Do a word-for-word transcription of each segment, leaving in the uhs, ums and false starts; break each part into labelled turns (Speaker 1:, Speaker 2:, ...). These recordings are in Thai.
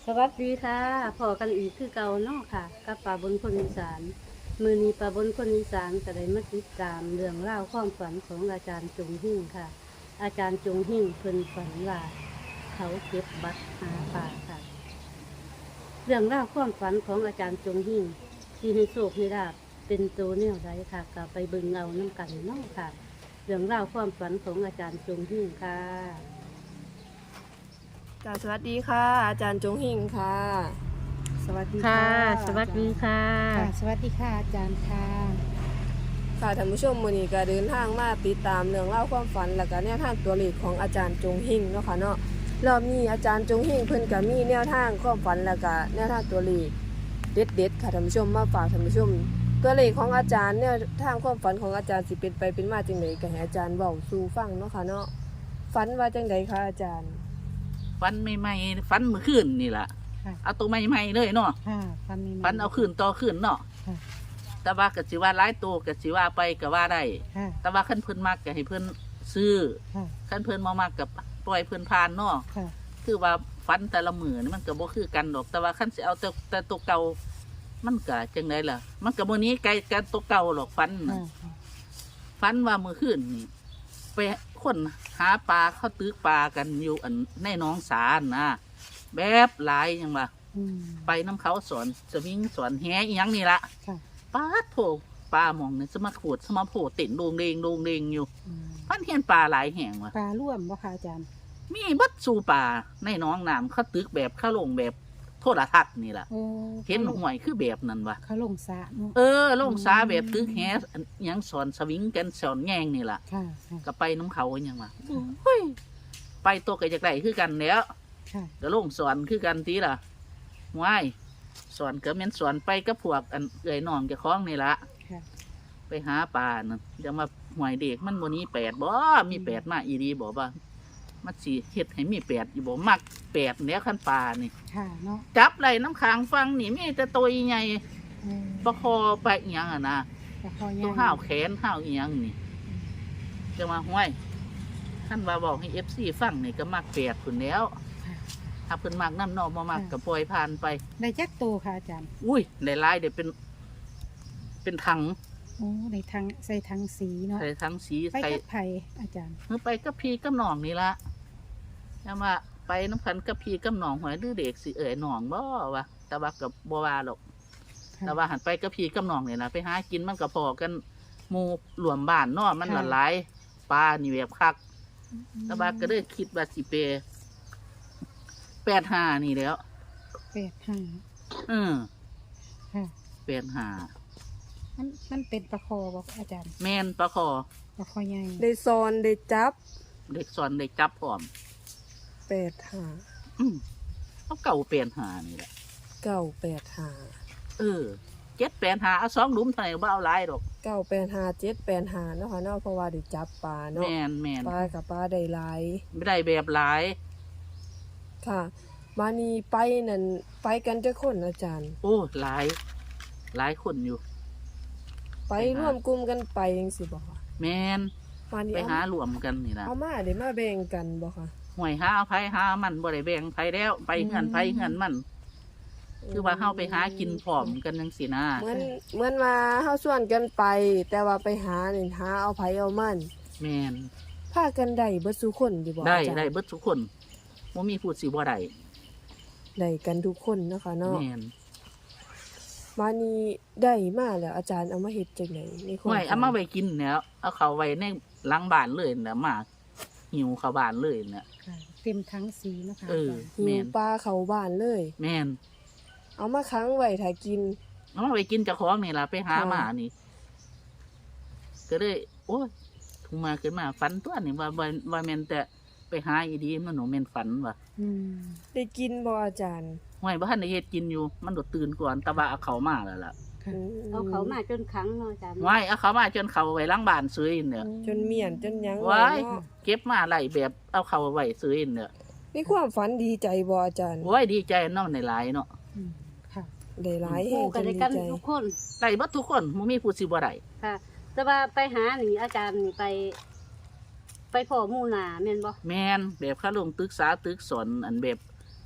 Speaker 1: สวัสดีค่ะพอกันอีกคือเก่าเนาะค่ะกับป่าบนคนอีสานมือนี้ป่าบนคนอีสานก็ได้มาติดตามเรื่องเล่าวความฝันของอาจารย์จงหิ่งค่ะ อาจารย์จงหิ่งเพิ่นฝันว่าเขาเก็บบัตรหาป่าค่ะ เรื่องเล่าวความฝันของอาจารย์จงหิ่งที่ให้โชคให้ลาบเป็นตัวแนวใดค่ะก็ไปเบิ่งเอาน้ำกันเนาะค่ะ เรื่องเล่าวความฝันของอาจารย์จงหิ่งค่ะ
Speaker 2: จ้าสวัสดีค่ะ อาจารย์จงหิ่งค่ะ
Speaker 3: สวัสดี
Speaker 1: ค่ะ
Speaker 3: ค่ะ
Speaker 1: สวัสดีค่ะ
Speaker 3: ค่ะ สวัสดีค่ะอาจารย์ค่ะ
Speaker 2: ค่ะท่านผู้ชมมื้อนี้ก็เดินทางมาติดตามเรื่องเล่าวความฝันและก็แนวทางตัวเลขของอาจารย์จงหิ่งเนาะค่ะเนาะรอบนี้อาจารย์จงหิ่งเพิ่นก็มีแนวทางความฝันและก็แนวทางตัวเลขเด็ดๆค่ะท่านผู้ชมมาฝากท่านผู้ชม ตัวเลขของอาจารย์แนวทางความฝันของอาจารย์สิเป็นไปเป็นมาจังไดก็ให้อาจารย์เว้าสู่ฟังเนาะค่ะเนาะฝันว่าจังไดคะอาจารย์
Speaker 4: ฟันใหม่ๆฟันเมื่อคืนนี่แหละ
Speaker 3: ค่ะ
Speaker 4: เอาตัวใหม่ๆเลยเนาะ
Speaker 3: ค่ะฟันมี
Speaker 4: ฟันเอาคืนต่อคืนเนาะ
Speaker 3: ค่ะ
Speaker 4: แต่ว่าก็สิว่าหลายตัวก็สิว่าไปก็ว่าได้
Speaker 3: ค่ะ
Speaker 4: แต่ว่าขั้นเพิ่นมักก็ให้เพิ่นซื้อ
Speaker 3: ค่ะ
Speaker 4: ขั้นเพิ่นบ่มักก็ปล่อยเพิ่นผ่านเนาะ
Speaker 3: ค่ะ
Speaker 4: คือว่าฟันแต่ละมือนี่มันก็บ่คือกันดอก แต่ว่าขั้นสิเอาแต่แต่ตัวเก่ามันก็จังไดล่ะ มันก็บ่หนี้ไกลกันตัวเก่าหรอกฟันน่ะ
Speaker 3: ค่ะ
Speaker 4: ฟันว่ามื้อคืนนี่ไปคนหาปลาเขาตึกปลากันอยู่อันในหนองสานะแบบหลายจังว่า
Speaker 3: อืม
Speaker 4: ไปน้ำเขาสอนสวิงสอนแฮอีหยังนี่ละ
Speaker 3: ค่ะ
Speaker 4: ป้าดโถปลามองเนี่ยสมาขูดสมาโผล่ติ่นโดงเดงโดงเดงอยู่
Speaker 3: อืม
Speaker 4: พันเห็นปลาหลายแห่งว่ะ
Speaker 3: ปลาร่วมบ่ค่ะอาจารย์
Speaker 4: มีบัดสู่ปลาในหน้องน้ำเขาตึกแบบเข้าลงแบบโทรทัศน์นี่แหละ
Speaker 3: โอ้
Speaker 4: เห็นห่วยคือแบบนั้นวะ
Speaker 3: เขาลงสระเนาะ
Speaker 4: เออลงสาแบบตึกแฮอันหยังสอนสวิงกันสอนแง่งนี่แหละ
Speaker 3: ค่ะ ค่ะ
Speaker 4: ก็ไปน้ำเขาอหยังวะเฮ้ยไปตัวกับจากไหนคือกันแล้ว
Speaker 3: ค่ะ
Speaker 4: ก็ลงสอนคือกันทีล่ะว้ายสอนก็แม่นสอนไปกับพวกอันเอ่ยน้องเจะคล้าของนี่ละ
Speaker 3: ค่ะ
Speaker 4: ไปหาปลานั่นจะมาหวยเด็กมันบนนี้แปดบ่มีแปดมาอีดีบอกว่ามันสีเฮ็ดให้มีแปดอยู่บ่มักแปดเนี้ยขั้นปลานี่
Speaker 3: ค่ะเนาะ
Speaker 4: จับไหลน้ำค้างฟังนี่มีแต่ตัวใหญ่
Speaker 3: อืม
Speaker 4: ประคอไปอีหยังอ่ะนะ
Speaker 3: ปลาคอ
Speaker 4: ตัว
Speaker 3: ย่าง
Speaker 4: ห้าวแขนห้าวอีหยังนี่จะมาห้วยท่านว่าบอกให้เอฟซีฟังนี่ก็มักแปดคนแล้ว
Speaker 3: ค่ะ
Speaker 4: ถ้าเพิ่นมักน้ำนอกมามักกับปล่อยผ่านไป
Speaker 3: ได้จักโตค่ะอาจารย์
Speaker 4: อุ้ยหลายๆเดี๋ยวเป็น เป็นถัง
Speaker 3: โอ้ในทางใส่ทางสีเนาะ
Speaker 4: ใส่ถังสี
Speaker 3: ไป
Speaker 4: ใส่
Speaker 3: กับไผ่อาจารย์
Speaker 4: เมื่อไปกับพี่กับน้องนี่ละจะมาไปน้ำพันกับพี่กับน้องหอยดื้อเด็กสิเอ๋ยน้องบ่วะแต่ว่ากับบัวาหรอก
Speaker 3: ค่ะ
Speaker 4: แต่ว่าหันไปกับพี่กับน้องเนี่ยนะไปหากินมันก็พอกันหมูหลวมบ้านเนอมันละลายปลานี่แบบคักแต่ว่าก็เลยคิดว่าสิเปแปดห้านี่แล้ว
Speaker 3: แปดห้า
Speaker 4: อืม
Speaker 3: ค่ะ
Speaker 4: แปดห้า
Speaker 3: มันมันเป็นปลาคอบ่อาจารย์
Speaker 4: แมนปลาคอ
Speaker 3: ปลาคอใหญ่
Speaker 2: ได้ซอนได้จับ
Speaker 4: เด็กสอนเด็กจับพร้อม
Speaker 2: แปดห้า
Speaker 4: อืมเอาเก่าแปดห้านี่แหละ
Speaker 2: เก้าแปดห้า
Speaker 4: เออเจ็ดแปดห้าเอาสองหลุมเท่าไหร่บ่เอาหลายดอก
Speaker 2: เก้าแปดห้าเจ็ดแปดห้าเนาะค่ะเนาะเพราะว่าได้จับปลา
Speaker 4: แม
Speaker 2: เนาะ
Speaker 4: นแมน
Speaker 2: ปลากับปลาได้หลาย
Speaker 4: ไม่ได้แบบหลาย
Speaker 2: ค่ะมานีไปนั่นไปกันจะคนอาจารย์
Speaker 4: โอ้หลาย หลายคนอยู่
Speaker 2: ไปร่วมกลุ่มกันไปยังสิบ่ค่ะ
Speaker 4: แมน
Speaker 2: มานี
Speaker 4: ไป
Speaker 2: เอา
Speaker 4: หารวมกันนี่นะ
Speaker 2: เอามาเดี๋ยวมาแบ่งกันบ่ค่ะ
Speaker 4: ห่วยหาเอาไผหามันบ่ได้แบ่งไผแล้ว ไปเงินไผเงินมัน คือว่าเฮาไปหากินพร้อมกันจังซี่นะ
Speaker 2: เหมือนเหมือนว่าเฮาส่วนกันไป แต่ว่าไปหานี่หาเอาไผเอามัน
Speaker 4: แมน
Speaker 2: พากันได้เบิดทุกคนอยู่บ่
Speaker 4: ได้
Speaker 2: อาจารย์
Speaker 4: ได้เบิดทุกคนบ่มีผู้สิบ่ได้
Speaker 2: ได้กันทุกคนเนาะคะเนาะ
Speaker 4: แมน
Speaker 2: มานีได้มาแล้วอาจารย์เอามาเฮ็ดจังไดในความ
Speaker 4: ห่วยเอามาไว้กินแล้วเอาเข้าไว้ในหลังบ้านเลยนะมาหิวเข้าบ้านเลยเนี่ย
Speaker 3: ค่ะเต็มทั้งสีเนาะค่ะ
Speaker 4: เออ
Speaker 2: หิ
Speaker 4: แม
Speaker 2: วน ปลาเข้าบ้านเลย
Speaker 4: แมน
Speaker 2: เอามาค้างไว้ถ้ากิน
Speaker 4: เอามาไว้กินเจ้าของนี่ล่ะไปหา
Speaker 2: ค่ะ
Speaker 4: มานี่ ก็เลยโอ้ยถูกมาขึ้นมาฝันตัวนี่ว่าว่าว่าแม่นแต่ไปหาอีดีมันหนูแม่นฝันว่ะ
Speaker 3: อืม
Speaker 2: ได้กินบ่อาจารย์
Speaker 4: ห้วยบ้านในเฮ็ดกินอยู่ มันโดดตื่นก่อนแตะว่าเอาเขามาแล้วล่ะ
Speaker 3: ค่ะ
Speaker 1: เอาเขามาจนครั้งเนาะอาจารย์
Speaker 4: ห้วยเอาเขามาจนเขาไว้หล้างบ้านซื้อเนี่ย
Speaker 2: จนเมียนจนหยัง
Speaker 4: ว้าย
Speaker 2: เนาะ
Speaker 4: เก็บมาไหลแบบเอาเขาไว้ซื้อเนี่ย
Speaker 2: ในความฝันดีใจบ่อาจารย์
Speaker 4: โอ้ยดีใจเนาะในหลายเนาะ
Speaker 3: อืมค่ะ
Speaker 2: ได้หลายแห่
Speaker 1: คู่
Speaker 2: ง
Speaker 1: กั
Speaker 2: จ
Speaker 1: น
Speaker 2: น
Speaker 1: ได้
Speaker 2: ดี
Speaker 1: กัน
Speaker 2: ใจ
Speaker 1: ทุกคน
Speaker 4: ได้เบัดทุกคนบ่มีผู้สิบ่ได้
Speaker 1: ค่ะ แต่ว่าไปหานี่อาจารย์นี่ไป ไปพ่อหมู่นาแม่นบ่
Speaker 4: แม่นแบบเขาลงตึกษาตึกสอนอันแบบ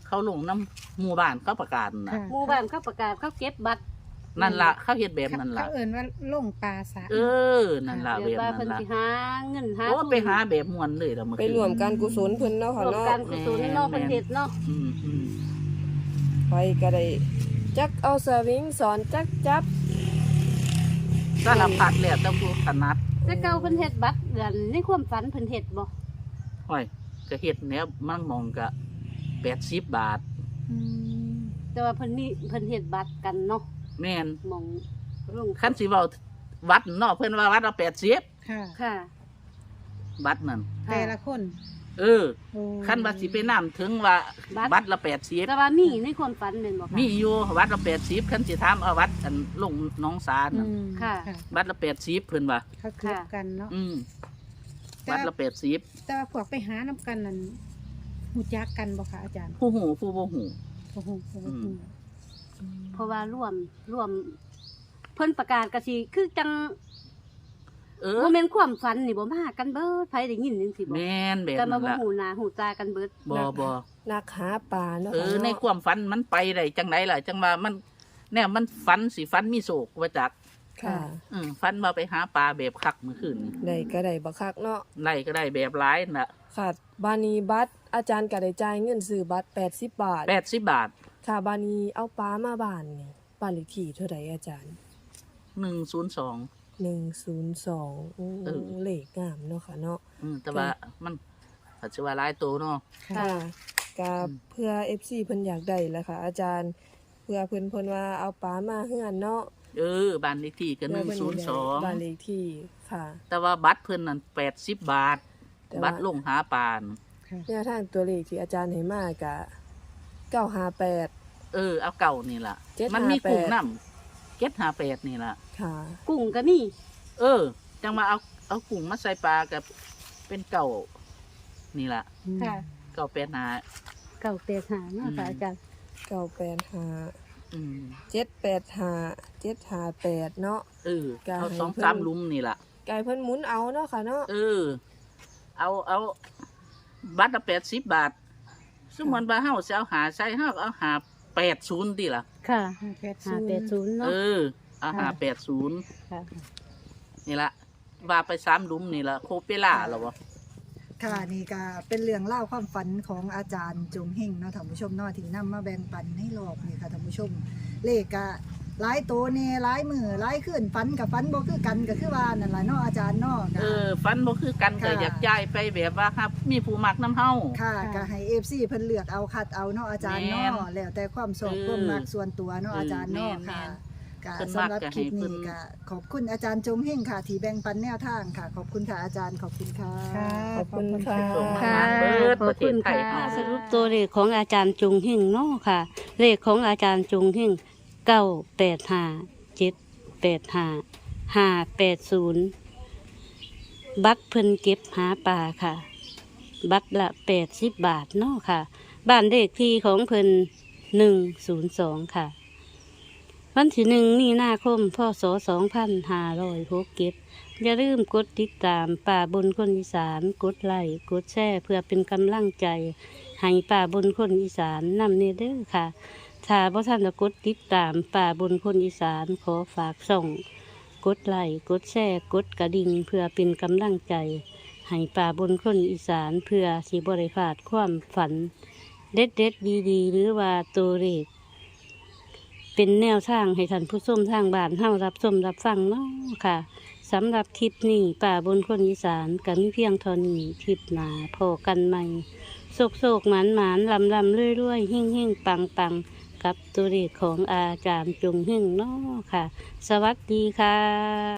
Speaker 4: เขาลงน้ำหมู่บ้านเขาประกาศนะ
Speaker 3: ค่ะ
Speaker 1: หมู่บ้านเขาประกาศเขาเก็บบัตร
Speaker 4: นั่นละเขาเฮ็ดแบบนั่นละ
Speaker 3: เขาเอิ้นว่าลงปลาสะ
Speaker 4: เออนั่นละ
Speaker 1: เดี๋
Speaker 4: แบ
Speaker 1: ยว
Speaker 4: บ
Speaker 1: ว่าเพิ่
Speaker 4: นั่
Speaker 1: น
Speaker 4: นละ
Speaker 1: สิหาเงินหา
Speaker 4: โอ้
Speaker 1: ทุน
Speaker 4: ไปหาแบบมวนเลยละเมื่อ
Speaker 2: ไป
Speaker 4: คืน
Speaker 2: รวมการกุศลเพิ่นเนาะค่ะ
Speaker 1: ร่วม
Speaker 2: เนาะ
Speaker 1: การกุศลเนาะเพิ่นเฮ็ดเนาะ
Speaker 4: อืมอืม
Speaker 2: ไปก็ได้จักเอาสวิงสอนจักจับ
Speaker 4: สารพัดแล้วแต่ผู้ถนัด
Speaker 1: แต่เก่าเพิ่นเฮ็ดบัตรเดือนในความฝันเพิ่นเฮ็ดบ่
Speaker 4: ห้อยก็เฮ็ดแนวมันมองก็แปดสิบบาท
Speaker 3: อืม
Speaker 1: แต่ว่าเพิ่นมีเพิ่นเฮ็ดบัตรกันเนาะ
Speaker 4: แม่น
Speaker 1: หมองลง
Speaker 4: คันสิเว้าวัดเนาะเพิ่นว่าวัดละแปดสิบ
Speaker 3: ค่ะ
Speaker 1: ค่ะ
Speaker 4: บัตรนั่น
Speaker 3: แต่ละคน
Speaker 4: เออ
Speaker 3: โอ้
Speaker 4: คันว่าสิไปนำถึงว่า
Speaker 1: บัตร
Speaker 4: วัดละแปดสิบ
Speaker 1: แต่ว่ามีในความฝันแม่นบ่คะ
Speaker 4: มีอยู่วัดละแปดสิบคันสิถามเอาวัดอันลงหน้องสา
Speaker 3: อื
Speaker 4: น่ะ
Speaker 3: ม
Speaker 1: ค่ะ
Speaker 4: วัดละแปดสิบเพิ่นว่า
Speaker 3: เขาเกลียดกันเนาะ
Speaker 4: อืม
Speaker 3: แต่
Speaker 4: วัดละแปดสิบ
Speaker 3: แต่ว่าพวกไปหาน้ำกันนั่นหูจักกันบ่คะอาจารย์
Speaker 4: ผู้หูผู้บ่หู
Speaker 3: โอ้โหโอ้โห
Speaker 4: อืม
Speaker 1: เพราะว่าร่วมร่วม เพิ่นประกาศก็สิคือจัง
Speaker 4: เออ
Speaker 1: บ่แม่นความฝันนี่บ่มากันเบิดไผได้ยินจังซี่บ่
Speaker 4: แม่นแบบ
Speaker 1: ก็มา
Speaker 4: นั้น
Speaker 1: บ่
Speaker 4: ล่ะ
Speaker 1: ฮู้หน้าฮู้ตากันเบิด
Speaker 4: บ่บ่
Speaker 2: นักหาปลาเนาะ
Speaker 4: เอ
Speaker 2: ค่ะ
Speaker 4: อใน
Speaker 2: เนาะ
Speaker 4: ความฝันมันไปได้จังไดล่ะจังว่ามันแน่มันฝันสิฝันมีโศกว่าจัก
Speaker 2: ค่ะ
Speaker 4: อืมฝันว่าไปหาปลาแบบคักเมื่อคืนนี้
Speaker 2: ได้ก็ได้บักคักเนาะ
Speaker 4: ไล่ก็ได้แบบหลายน่ะ
Speaker 2: ค่ะบานีบัตรอาจารย์ก็ได้จ่ายเงินซื้อบัตรแปดสิบบาท
Speaker 4: แปดสิบบาท
Speaker 2: ค่ะบานีเอาปลามาบ้านนี่บ้านเลขที่เท่าไหร่อาจารย์
Speaker 4: หนึ่งศูนย์สอง
Speaker 2: หนึ่งศูนย์สองโอ้
Speaker 4: เออ
Speaker 2: เลขงามเนาะค่ะเนาะ
Speaker 4: อืมแต่ว่ามันอาจจะว่าหลายตัวเนาะ
Speaker 3: ค่ะ
Speaker 2: ค่ะก็
Speaker 4: อืม
Speaker 2: เพื่อ เอฟ ซี เพิ่นอยากได้แหละค่ะ อาจารย์เพื่อเพิ่นเพิ่นว่าเอาปลามาเฮือนเนาะ
Speaker 4: เออบ้านเลขที่ก็หนึ่ง
Speaker 2: เพื่
Speaker 4: ศู
Speaker 2: เพิ่
Speaker 4: นย์
Speaker 2: อยาก
Speaker 4: สอง
Speaker 2: บ้านเลขที่ค่ะ
Speaker 4: แต่ว่าบัตรเพิ่นนั่นแปดสิบบาท
Speaker 2: แต่ว่า
Speaker 4: บัตรลงหาปลาน่ะ
Speaker 3: ค่ะ
Speaker 2: แนวทางตัวเลขที่อาจารย์ให้มากะเก้าห้าแปด
Speaker 4: เออเอาเก่านี่ล่ะ
Speaker 2: เจ็ด
Speaker 4: มันมี
Speaker 2: ห้าแปด
Speaker 4: กุ้งน้ำเจ็ดหาแปดนี่ล่ะ
Speaker 2: ค่ะ
Speaker 1: กุ้งก็มี
Speaker 4: เออ จังมาเอาเอากุ้งมาใส่ปลากับเป็นเก่านี่ล่ะ
Speaker 1: ค่ะ
Speaker 4: เก่าแปดหา
Speaker 1: เก่าแปดหาเนาะค่ะ
Speaker 4: อืม
Speaker 1: อาจารย์
Speaker 2: เก้าแปดห้า
Speaker 4: อืม
Speaker 2: เจ็ดแปดห้าเจ็ดห้าแปดเนาะ
Speaker 4: เออ
Speaker 2: ก็
Speaker 4: เอา
Speaker 2: ให้
Speaker 4: สอง
Speaker 2: เพิ่น
Speaker 4: สามหลุมนี่ล่ะ
Speaker 2: ไก่เพิ่นหมุนเอาเนาะค่ะเนาะ
Speaker 4: เออ เอาเอาบัตรละแปดสิบบาทสมมติว่าเฮาสิเอาหาใส่เฮาก็เอาหาแปดศูนย์ดีล่ะ
Speaker 1: ค่ะ
Speaker 3: ห้าแปด
Speaker 1: ห้า
Speaker 3: ศูน
Speaker 1: แปด
Speaker 3: ย์
Speaker 1: ศูนย์
Speaker 4: เอ
Speaker 1: เนาะ
Speaker 4: อ เอาหาแปดศูนย์
Speaker 1: ค่ะ
Speaker 4: นี่ละว่าไปสามหลุมนี่ละโคเปล่าหรอวะ
Speaker 5: ค่ะนี่ก็เป็นเรื่องเล่าวความฝันของอาจารย์จงเฮงเนาะท่านผู้ชมเนาะที่นำมาแบ่งปันให้รอบนี่ค่ะท่านผู้ชม เลขก็หลายโตเน่หลายมือหลายขึ้นฝันกับฝันบ่คือกันก็คือว่านั่นล่ะเนาะอาจารย์เนาะ
Speaker 4: เอ
Speaker 5: ก็
Speaker 4: อ ฟันบ่คือกันก็
Speaker 5: ค่ะ
Speaker 4: อยากจ่ายไปแบบว่าครับ มีผู้มักน้ำเฮา
Speaker 5: ค่ะก็ให้ เอฟ ซี เพิ่นเลือกเอาคัดเอาเนาะอาจารย์
Speaker 4: แม่
Speaker 5: เนาะ
Speaker 4: น
Speaker 5: แล้วแต่ความชอบ
Speaker 4: เออ
Speaker 5: ความมักส่วนตัวเนาะ
Speaker 4: เออ
Speaker 5: อาจารย์เนาะ
Speaker 4: แม่น
Speaker 5: ค่ะก็
Speaker 4: เพิ่น
Speaker 5: สำหรับ
Speaker 4: มัก
Speaker 5: คลิป
Speaker 4: จะให้เพิ่
Speaker 5: นี้
Speaker 4: น
Speaker 5: ก็ขอบคุณอาจารย์จงเฮงค่ะ ที่แบ่งปันแนวทางค่ะ ขอบคุณค่ะอาจารย์ขอบคุณค่ะ
Speaker 3: ค่ะ
Speaker 2: ขอบคุณค่ะ
Speaker 4: ส่งมา
Speaker 1: ค่ะ
Speaker 4: เบิด
Speaker 1: ขอ
Speaker 4: ป
Speaker 1: บ
Speaker 4: ระเท
Speaker 1: คุ
Speaker 4: ศ
Speaker 1: ณ
Speaker 4: ไทย
Speaker 1: ค่ะ
Speaker 4: เฮา
Speaker 1: สรุปตัวเลขของอาจารย์จงหิ่งเนาะค่ะ เลขของอาจารย์จงหิ่งเก้าแปดห้าเจ็ดแปดห้าห้าแปดศูนย์บัตรเพิ่นเก็บหาปลาค่ะ บัตรละแปดสิบบาทเนาะค่ะ บ้านเลขที่ของเพิ่นหนึ่งศูนย์สองค่ะ วันที่หนึ่งมีนาคมพศสองพันห้าร้อยหกเก็บอย่าลืมกดติดตามป่าบนคนอีสานกดไลค์กดแชร์เพื่อเป็นกำลังใจ ให้ป่าบนคนอีสานนำเนเด้อค่ะ ถ้าพ่ท่านจะกดติดตามป่าบนคนอีสานขอฝากส่ง กดไลค์กดแชร์กดกระดิ่งเพื่อเป็นกำลังใจ ให้ป่าบนคนอีสานเพื่อสิบริพลาดความฝัน เด็ดเด็ดดีดีๆ หรือว่าตัวเลขเป็นแนวทางให้ท่านผู้ชมทางบ้านเฮารับชมรับฟังเนาะค่ะสำหรับคลิปนี้ป่าบนคนอีสานก็มีเพียงเท่านี้คลิปหนาพอกันใหม่โศกโศกหมานหมานลำลำเรื่อยเรื่อยหิ่งหิ่งปังปังกับตัวเลขของอาจารย์จงหิ่งเนาะค่ะ สวัสดีค่ะ